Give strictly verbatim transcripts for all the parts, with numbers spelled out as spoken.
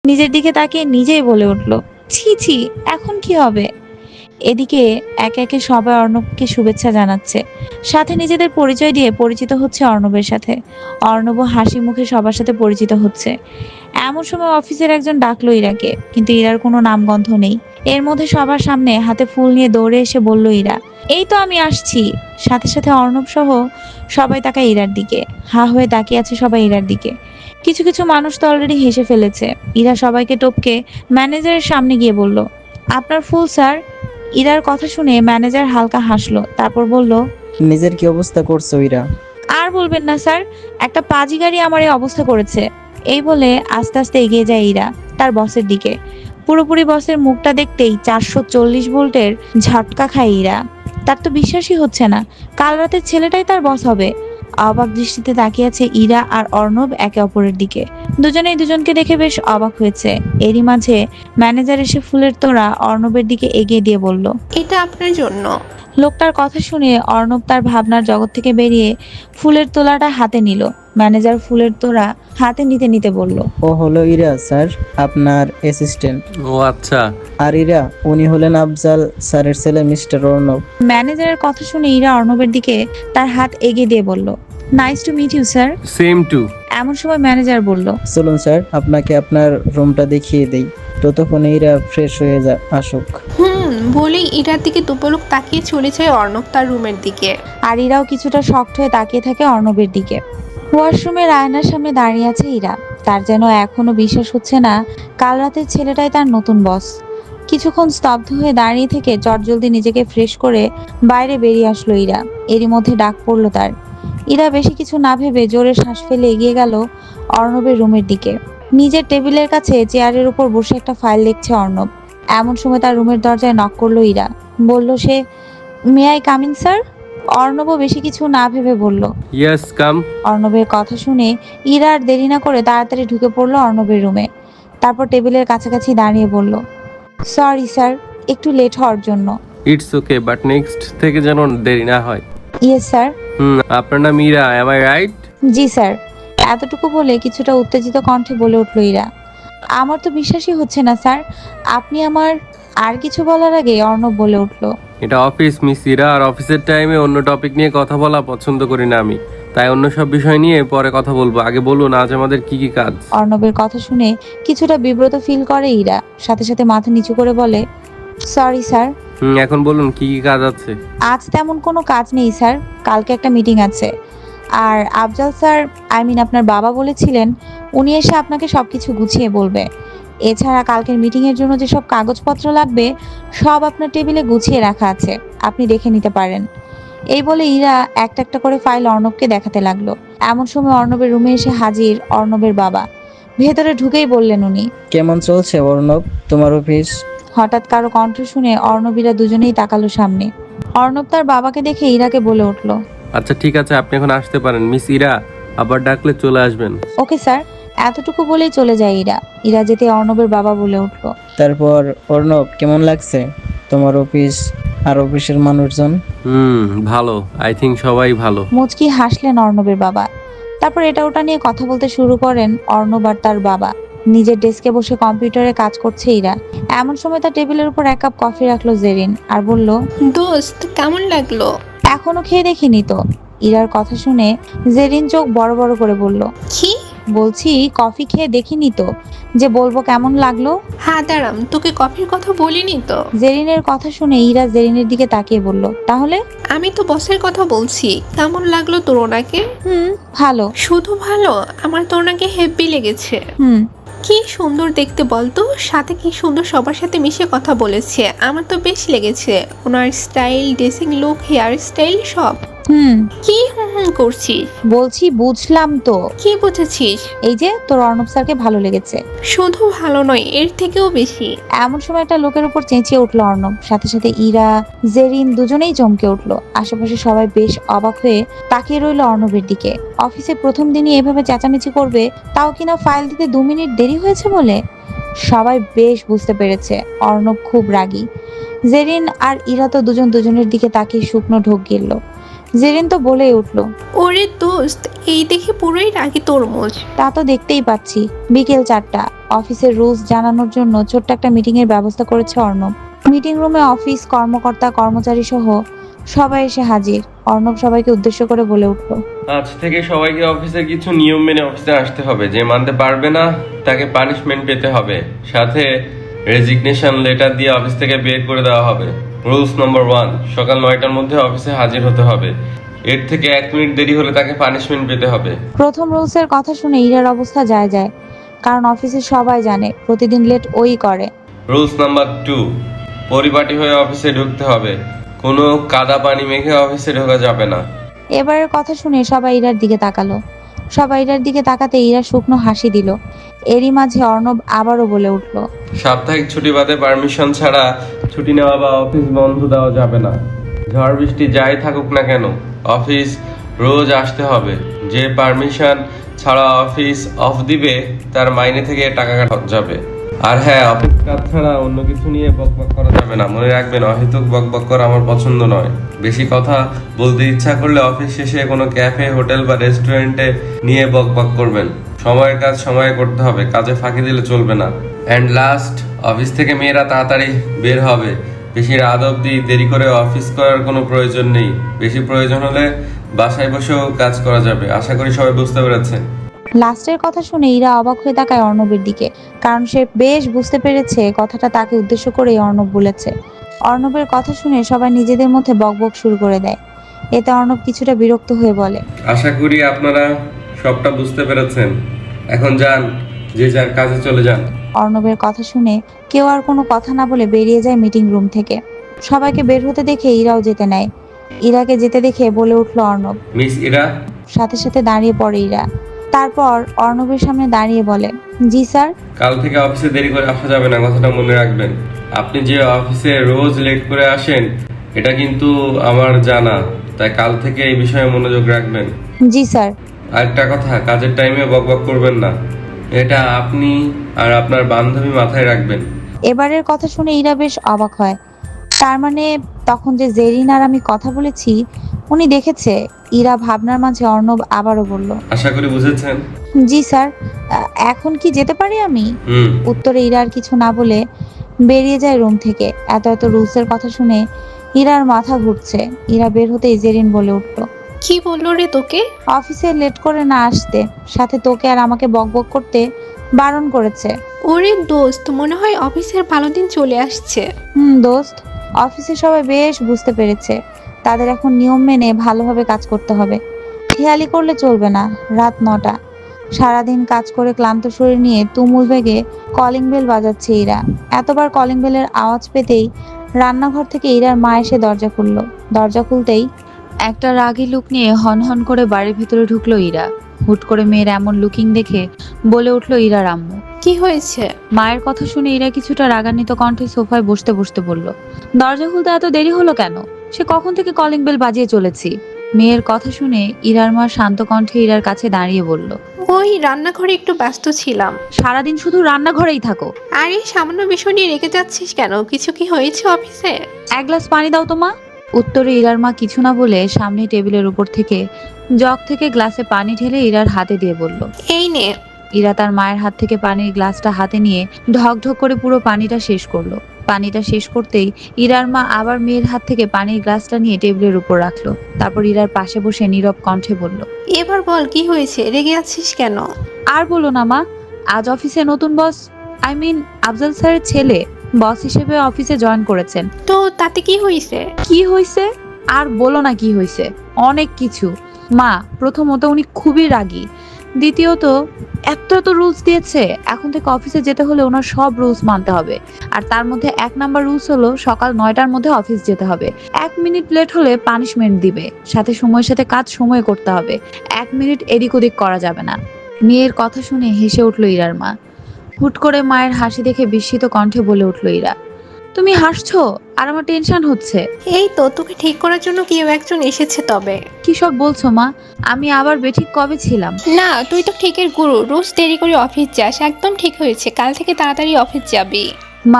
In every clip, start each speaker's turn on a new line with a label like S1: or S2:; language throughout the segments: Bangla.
S1: নিজের দিকে তাকিয়ে নিজেই বলে উঠল, ছি ছি, এখন কি হবে? এদিকে একে একে সবাই অর্ণবকে শুভেচ্ছা জানাচ্ছে, সাথে নিজেদের পরিচয় দিয়ে পরিচিত হচ্ছে অর্ণবের সাথে। অর্ণব হাসি মুখে সবার সাথে পরিচিত হচ্ছে। এমন সময় অফিসের একজন ডাকলো ইরাকে, কিন্তু ইরার কোনো নামগন্ধ নেই। এর মধ্যে সবার সামনে হাতে ফুল নিয়ে দৌড়ে এসে বলল ইরা, এই তো আমি আসছি। সাথে সাথে অর্ণব সহ সবাই তাকায় ইরার দিকে। হা হয়ে তাকিয়ে আছে সবাই ইরার দিকে। কিছু কিছু মানুষ তো অলরেডি হেসে ফেলেছে। ইরা সবাইকে টপকে ম্যানেজারের সামনে গিয়ে বলল, আপনার ফুল স্যার। ইরার কথা শুনে ম্যানেজার হালকা হাসলো, তারপর বলল,
S2: নিজের কি অবস্থা করছো ইরা?
S1: আর বলবেন না স্যার, একটা পাজি গাড়ি আমার এই অবস্থা করেছে। এই বলে আস্তে আস্তে এগিয়ে যায় ইরা তার বসের দিকে। পুরোপুরি বসের মুখটা দেখতেই চারশো চল্লিশ ভোল্টের ঝটকা খায় ইরা। তার তো বিশ্বাসই হচ্ছে না কাল রাতের ছেলেটাই তার বস হবে। অবাক দৃষ্টিতে তাকিয়ে আছে ইরা আর অর্ণব একে অপরের দিকে। দুজনেই দুজনকে দেখে বেশ অবাক হয়েছে। এরই মাঝে ম্যানেজার এসে ফুলের তোড়া অর্ণবের দিকে এগিয়ে দিয়ে বলল,
S3: এটা আপনার জন্য।
S1: লোকটার কথা শুনে অর্ণব তার ভাবনার জগৎ থেকে বেরিয়ে ফুলের তোড়াটা হাতে নিল। ম্যানেজার ফুলের তোড়া হাতে নিতে নিতে বলল,
S2: ও হলো ইরা স্যার, আপনার অ্যাসিস্ট্যান্ট।
S4: ও আচ্ছা।
S2: আর ইরা, উনি হলেন আফজাল স্যারের ছেলে মিস্টার অর্ণব।
S1: ম্যানেজারের কথা শুনে ইরা অর্ণবের দিকে তার হাত এগিয়ে দিয়ে বলল, nice to meet you sir.
S4: Same too.
S1: এমন সময় ম্যানেজার বলল,
S2: চলুন স্যার, আপনাকে আপনার রুমটা দেখিয়ে দেই। ততক্ষণে ইরা ফ্রেশ হয়ে যা আসুক।
S3: হুম বলেই ইরার দিকে দুপলক তাকিয়ে চলে যায় অর্ণব তার রুমের দিকে।
S1: আর ইরাও কিছুটা শক্ট হয়ে তাকিয়ে থাকে অর্ণবের দিকে। ওয়াশরুমের আয়নার সামনে দাঁড়িয়ে আছে ইরা। তার যেন এখনো বিশ্বাস হচ্ছে না কাল রাতের ছেলেটাই তার নতুন বস। কিছুক্ষণ স্তব্ধ হয়ে দাঁড়িয়ে থেকে চটজলদি নিজেকে ফ্রেশ করে বাইরে বেরিয়ে আসলো ইরা। এরই মধ্যে ডাক পড়লো তার। ইরা বেশি কিছু না ভেবে জোরে শ্বাস ফেলে এগিয়ে গেল অর্ণবের রুমের দিকে। নিজের টেবিলের কাছে চেয়ারের উপর বসে একটা ফাইল লিখছে অর্ণব। এমন সময় তার রুমের দরজায় নক করলো ইরা। বলল সে, may I come in sir? অর্ণবও বেশি কিছু না ভেবে বলল,
S4: ইয়েস কাম।
S1: অর্ণবের কথা শুনে ইরা আর দেরি না করে তাড়াতাড়ি ঢুকে পড়লো অর্ণবের রুমে। তারপর টেবিলের কাছাকাছি দাঁড়িয়ে বলল, সরি স্যার, একটু লেট হওয়ার জন্য।
S4: ইটস ওকে, বাট নেক্সট থেকে যেন দেরি না হয়।
S1: Yes sir.
S4: হুম, আপনার নাম ইরা, এম আই রাইট?
S1: জি স্যার। এতটুকু বলে কিছুটা উত্তেজিত কণ্ঠে বলে উঠল ইরা, আমার তো বিশ্বাসই হচ্ছে না স্যার, আপনি আমার। আর কিছু বলার আগে অর্ণব বলে উঠল,
S4: এটা অফিস মিস ইরা, আর অফিসের টাইমে অন্য টপিক নিয়ে কথা বলা পছন্দ করি না আমি। তাই অন্য সব বিষয় নিয়ে পরে কথা বলবো। আগে বলুন আজ আমাদের কি কি কাজ?
S1: অর্ণবের কথা শুনে কিছুটা বিব্রত ফিল করে ইরা, সাথে সাথে মাথা নিচু করে বলে, সরি স্যার।
S4: হুম, এখন বলুন কি কি কাজ আছে?
S1: আজ তেমন কোনো কাজ নেই স্যার, কালকে একটা মিটিং আছে। আর আফজাল স্যার, আই মিন আপনার বাবা বলেছিলেন উনি এসে আপনাকে সবকিছু গুছিয়ে বলবে। এছাড়া কালকের মিটিং এর জন্য যেসব কাগজপত্র লাগবে সব আপনার টেবিলে গুছিয়ে রাখা আছে, আপনি দেখে নিতে পারেন। এই বলে ইরা একটা একটা করে ফাইল অর্ণবকে দেখাতে লাগলো। এমন সময় অর্ণবের রুমে এসে হাজির অর্ণবের বাবা। ভেতরে ঢুকেই বললেন উনি,
S2: কেমন চলছে অর্ণব তোমার অফিস?
S1: হঠাৎ কারো কণ্ঠ শুনে অর্ণবীরা দুজনেই তাকালো সামনে। অর্ণব তার বাবাকে দেখে ইরাকে বলে উঠল,
S4: আচ্ছা ঠিক আছে, আপনি এখন আসতে পারেন। মিস ইরা, আবার ডাকলে চলে আসবেন।
S1: Okay sir. এতটুকু বলেই চলে যায় ইরা। ইরা যেতে অর্ণবের বাবা বলে উঠল,
S2: তারপর অর্ণব, কেমন লাগছে তোমার অফিস আর অফিসের মানুষজন?
S4: হুম, ভালো। আই থিঙ্ক সবাই ভালো।
S1: মুচকি হাসলেন অর্ণবের বাবা। তারপর এটা ওটা নিয়ে কথা বলতে শুরু করেন অর্ণব আর তার বাবা। নিজের ডেস্কে বসে কম্পিউটারে কাজ করছে ইরা। এমন সময় তার টেবিলের উপর এক কাপ কফি রাখলো জেরিন আর বলল,
S3: দোস্ত কেমন লাগলো?
S1: এখনো খেয়ে দেখিনি তো। ইরার কথা শুনে জেরিন চোখ বড় বড় করে বলল,
S3: কি?
S1: বলছি কফি খেয়ে দেখিনি তো, যে বলবো কেমন লাগলো।
S3: হ্যাঁ দাঁড়াম, তোকে কফির কথা বলিনি তো।
S1: জেরিনের কথা শুনে ইরা জেরিনের দিকে তাকিয়ে বলল, তাহলে?
S3: আমি তো বসের কথা বলছি। কেমন লাগলো তোর ওনাকে?
S1: হুম, ভালো।
S3: শুধু ভালো? আমার তো ওনাকে হেব্বি লেগেছে।
S1: হুম।
S3: কি সুন্দর দেখতে বলতো, সাথে কি সুন্দর সবার সাথে মিশে কথা বলেছে। আমার তো বেশ লেগেছে ওনার style, dressing look, hair style সব।
S1: হুম।
S3: কি হুম হুম করছিস?
S1: বলছি বুঝলাম তো।
S3: কি বুঝেছিস?
S1: এই যে তোর অর্ণব স্যারকে ভালো লেগেছে।
S3: শুধু ভালো নয়, এর থেকেও বেশি।
S1: এমন সময় একটা লোকের উপর চেঁচিয়ে উঠলো অর্ণব। সাথে সাথে ইরা জেরিন দুজনেই চমকে উঠলো। আশেপাশে সবাই বেশ অবাক হয়ে তাকিয়ে রইলো অর্ণবের দিকে। অফিসে প্রথম দিনই এভাবে চেঁচামেচি করবে, তাও কিনা ফাইল দিতে দু মিনিট দেরি হয়েছে বলে। সবাই বেশ বুঝতে পেরেছে অর্ণব খুব রাগী। জেরিন আর ইরা তো দুজন দুজনের দিকে তাকিয়ে শুকনো ঢোক গিলল। জেরিন তো বলেই উঠলো,
S3: ওরে দোস্ত, এই দেখে পুরোই রাগি তরমুজ।
S1: তা তো দেখতেই পাচ্ছি। বিকেল চারটা, অফিসের রুলস জানানোর জন্য ছোট্ট একটা মিটিং এর ব্যবস্থা করেছে অর্ণব। মিটিং রুমে অফিস কর্মকর্তা কর্মচারী সহ সবাই এসে হাজির। অর্ণব সবাইকে উদ্দেশ্য করে বলে উঠলো,
S4: আজ থেকে সবাইকে অফিসের কিছু নিয়ম মেনে অফিসে আসতে হবে। যে মানতে পারবে না তাকে পানিশমেন্ট পেতে হবে, সাথে রেজিগনেশন লেটার দিয়ে অফিস থেকে বের করে দেওয়া হবে। রুলস নম্বর ওয়ান, সকাল নয়টার মধ্যে অফিসে হাজির হতে হবে। এর থেকে এক মিনিট দেরি হলে তাকে পানিশমেন্ট পেতে হবে।
S1: প্রথম রুলসের কথা শুনে ইরার অবস্থা যায় যায়, কারণ অফিসে সবাই জানে প্রতিদিন লেট ওই করে।
S4: রুলস নাম্বার টু, পরিপাটি হয়ে অফিসে ঢুকতে হবে। কোনো কাদা পানি মেখে অফিসে ঢোকা যাবে না।
S1: এবারের কথা শুনে সবাই ইরার দিকে তাকালো। সবাই ইরার দিকে তাকাতে ইরা শুকনো হাসি দিল। এরই মাঝে অর্ণব আবারও বলে উঠলো,
S4: সাপ্তাহিক ছুটি বাদে পারমিশন ছাড়া ছুটি নেওয়া বা অফিস বন্ধ দেওয়া যাবে না। ঝড় বৃষ্টি যাই থাকুক না কেন, অফিস রোজ আসতে হবে। যে পারমিশন ছাড়া অফিস অফ দিবে তার মাইনে থেকে টাকা কাটা যাবে। আর হ্যাঁ, অফিস কাজ ছাড়া অন্য কিছু নিয়ে বকবক করা যাবে না। মনে রাখবেন, অহেতুক বকবক করা আমার পছন্দ নয়। বেশি কথা বলতে ইচ্ছা করলে অফিস শেষে কোনো ক্যাফে, হোটেল বা রেস্টুরেন্টে নিয়ে বকবক করবেন। সময়ের কাজ সময়ে করতে হবে, কাজে ফাঁকি দিলে চলবে না। অ্যান্ড লাস্ট, অফিস থেকে মেয়েরা তাড়াতাড়ি বের হবে। বেশি রাত অবধি দেরি করে অফিস করার কোনো প্রয়োজন নেই। বেশি প্রয়োজন হলে বাসায় বসেও কাজ করা যাবে। আশা করি সবাই বুঝতে পেরেছেন।
S1: লাস্টের কথা শুনে ইরা অবাক হয়ে তাকায় অর্ণবের দিকে, কারণ সে বেশ বুঝতে পেরেছে কথাটা তাকে উদ্দেশ্য করেই অর্ণব বলেছে। অর্ণবের কথা শুনে সবাই নিজেদের মধ্যে বকবক শুরু করে দেয়। এতে অর্ণব কিছুটা বিরক্ত হয়ে বলে,
S4: আশা করি আপনারা সবটা বুঝতে পেরেছেন। এখন যান, যে যার কাজে চলে যান।
S1: অর্ণবের কথা শুনে কেউ আর কোনো কথা না বলে বেরিয়ে যায় মিটিং রুম থেকে। সবাইকে বের হতে দেখে ইরাও যেতে নেয়। ইরাকে যেতে দেখে বলে উঠলো অর্ণব।
S4: মিস ইরা,
S1: সাথে সাথে দাঁড়িয়ে পড়ে ইরা। তারপর অর্ণবের সামনে দাঁড়িয়ে বলে, জি স্যার।
S4: কাল থেকে অফিসে দেরি করে আসা যাবে না, কথাটা মনে রাখবেন। আপনি যে অফিসে রোজ লেট করে আসেন এটা কিন্তু আমার জানা, তাই কাল থেকে এই বিষয়ে মনোযোগ রাখবেন।
S1: জি স্যার।
S4: আরেকটা কথা, কাজের টাইমে বকবক করবেন না। এটা আপনি আর আপনার বান্ধবী মাথায় রাখবেন।
S1: এবারের কথা শুনে ইরা বেশ অবাক হয়। তার মানে তখন যে জেরিন আর আমি কথা বলেছি উনি দেখেছে। ইরা ভাবনার মাঝে অর্ণব আবারও বলল,
S4: আশা করি বুঝেছেন।
S1: জি স্যার। আহ, এখন কি যেতে পারি আমি?
S4: হুম।
S1: উত্তরে ইরা আর কিছু না বলে বেরিয়ে যায় রুম থেকে। এত এত রুলসের কথা শুনে ইরার মাথা ঘুরছে। ইরা বের হতেই জেরিন বলে উঠলো,
S3: কি বললো রে তোকে?
S1: অফিসে লেট করে না আসতে, সাথে তোকে আর আমাকে বকবক করতে বারণ করেছে।
S3: ওরে দোস্ত, মনে হয় অফিসের ভালো দিন চলে আসছে।
S1: হুম দোস্ত, অফিসে সবাই বেশ বুঝতে পেরেছে তাদের এখন নিয়ম মেনে ভালোভাবে কাজ করতে হবে। খেয়ালি করলে চলবে না। রাত নটা, সারাদিন কাজ করে ক্লান্ত শরীর নিয়ে তুমুল বেগে কলিং বেল বাজাচ্ছে ইরা। এতবার কলিং বেলের আওয়াজ পেতেই রান্নাঘর থেকে ইরার মা এসে দরজা খুললো। দরজা খুলতেই একটা রাগী লুক নিয়ে হনহন করে বাড়ির ভিতরে ঢুকলো ইরা। হুট করে মেয়ের এমন লুকিং দেখে বলে উঠলো ইরার আম্মু।
S3: কি হয়েছে?
S1: মায়ের কথা শুনে ইরা কিছুটা রাগান্বিত কণ্ঠে সোফায় বসতে বসতে বলল, দরজা খুলতে এত দেরি হলো কেন? সে কখন থেকে কলিং বেল বাজিয়ে চলেছি। মেয়ের কথা শুনে ইরার মা শান্ত কণ্ঠে ইরার কাছে দাঁড়িয়ে বলল,
S3: ওই রান্নাঘরে একটু ব্যস্ত ছিলাম।
S1: সারাদিন শুধু রান্নাঘরেই থাকো।
S3: আরে সামান্য বিষয় নিয়ে রেখে যাচ্ছিস কেন? কিছু কি হয়েছে অফিসে?
S1: এক গ্লাস পানি দাও তো মা। উত্তরে ইরার মা কিছু না বলে সামনে টেবিলের উপর থেকে জগ থেকে গ্লাসে পানি ঢেলে ইরার হাতে দিয়ে বলল,
S3: এই নে।
S1: ইরা তার মায়ের হাত থেকে পানির গ্লাসটা হাতে নিয়ে ঢক ঢক করে পুরো পানিটা শেষ করলো। পানিটা শেষ করতেই ইরার মা আবার মেয়ের হাত থেকে পানির গ্লাসটা নিয়ে টেবিলের উপর রাখলো। তারপর ইরার পাশে বসে নীরব কণ্ঠে বলল,
S3: এবার বল, কি হয়েছে? রেগে আছিস কেন?
S1: আর বলো না মা, আজ অফিসে নতুন বস, আই মিন আফজাল স্যারের ছেলে বস হিসেবে অফিসে জয়েন করেছেন।
S3: তো তাতে কি হয়েছে?
S1: কি হয়েছে? আর বলো না কি হয়েছে, অনেক কিছু মা। প্রথমত উনি খুবই রাগী, দ্বিতীয়ত এত এত রুলস দিয়েছে। এখন থেকে অফিসে যেতে হলে ওনার সব রুলস মানতে হবে। আর তার মধ্যে এক নাম্বার রুলস হলো সকাল নয়টার মধ্যে অফিস যেতে হবে। এক মিনিট লেট হলে পানিশমেন্ট দিবে, সাথে সময়ের সাথে কাজ সময় করতে হবে। এক মিনিট এদিক ওদিক করা যাবে না। মেয়ের কথা শুনে হেসে উঠল ইরার মা। হুট করে মায়ের হাসি দেখে বিস্মিত কণ্ঠে বলে উঠল ইরা, তুমি হাসছো আর আমার টেনশন হচ্ছে।
S3: এই তো, তোকে ঠিক করার জন্য কেউ একজন এসেছে। তবে
S1: কি সব বলছো মা? আমি আবার বেঠিক কবে ছিলাম?
S3: না, তুই তো ঠিকের গুরু। রোজ দেরি করে অফিস যাস, একদম ঠিক হয়েছে। কাল থেকে তাড়াতাড়ি অফিস যাবি।
S1: মা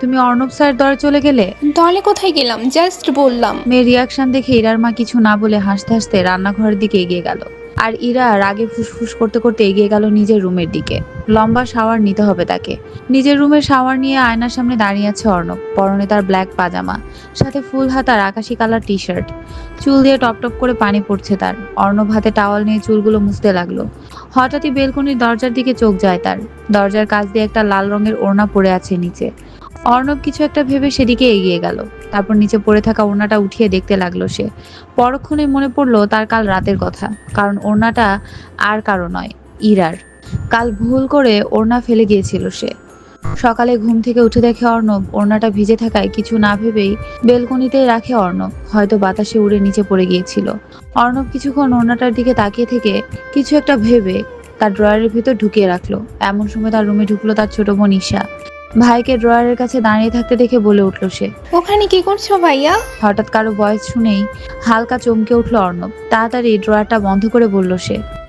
S1: তুমি অর্ণব স্যার দরে চলে গেলে?
S3: দলে কোথায় গেলাম, জাস্ট বললাম।
S1: মেয়ের রিয়াকশন দেখে ইরার মা কিছু না বলে হাসতে হাসতে রান্নাঘরের দিকে এগিয়ে গেল। আর ইরা রাগে ফুসফুস করতে করতে এগিয়ে গেল নিজের রুমের দিকে। লম্বা শাওয়ার নিতে হবে তাকে। নিজের রুমের শাওয়ার নিয়ে আয়নার সামনে দাঁড়িয়ে আছে অর্ণব। পরনে তার ব্ল্যাক পাজামা, সাথে ফুল হাতার আকাশি কালার টি শার্ট। চুল দিয়ে টপ টপ করে পানি পড়ছে তার। অর্ণব হাতে টাওয়াল নিয়ে চুলগুলো মুছতে লাগলো। হঠাৎই বেলকনির দরজার দিকে চোখ যায় তার। দরজার কাছ দিয়ে একটা লাল রঙের ওড়না পড়ে আছে নিচে। অর্ণব কিছু একটা ভেবে সেদিকে এগিয়ে গেল। তারপর নিচে পড়ে থাকা ওড়নাটা উঠিয়ে দেখতে লাগলো সে। পরক্ষণে মনে পড়লো তার কাল রাতের কথা, কারণ ওড়নাটা আর কারো নয়, ইরার। কাল ভুল করে ওড়না ফেলে গিয়েছিল সে। সকালে ঘুম থেকে উঠে দেখে অর্ণব ওড়নাটা ভিজে থাকায় কিছু না ভেবেই বেলকনিতেই রাখে অর্ণব। হয়তো বাতাসে উড়ে নিচে পড়ে গিয়েছিল। অর্ণব কিছুক্ষণ ওড়নাটার দিকে তাকিয়ে থেকে কিছু একটা ভেবে তার ড্রয়ারের ভিতর ঢুকিয়ে রাখলো। এমন সময় তার রুমে ঢুকলো তার ছোট বোন ঈশা। ভাইকে ড্রয়ারের কাছে দাঁড়িয়ে থাকতে দেখে বলে উঠল সে।
S3: ওখানে কি করছো ভাইয়া?
S1: হঠাৎ কারো ভয়েস শুনেই হালকা চমকে উঠল অর্ণব। তাড়াতাড়ি ড্রয়ারটা বন্ধ করে বলল সে।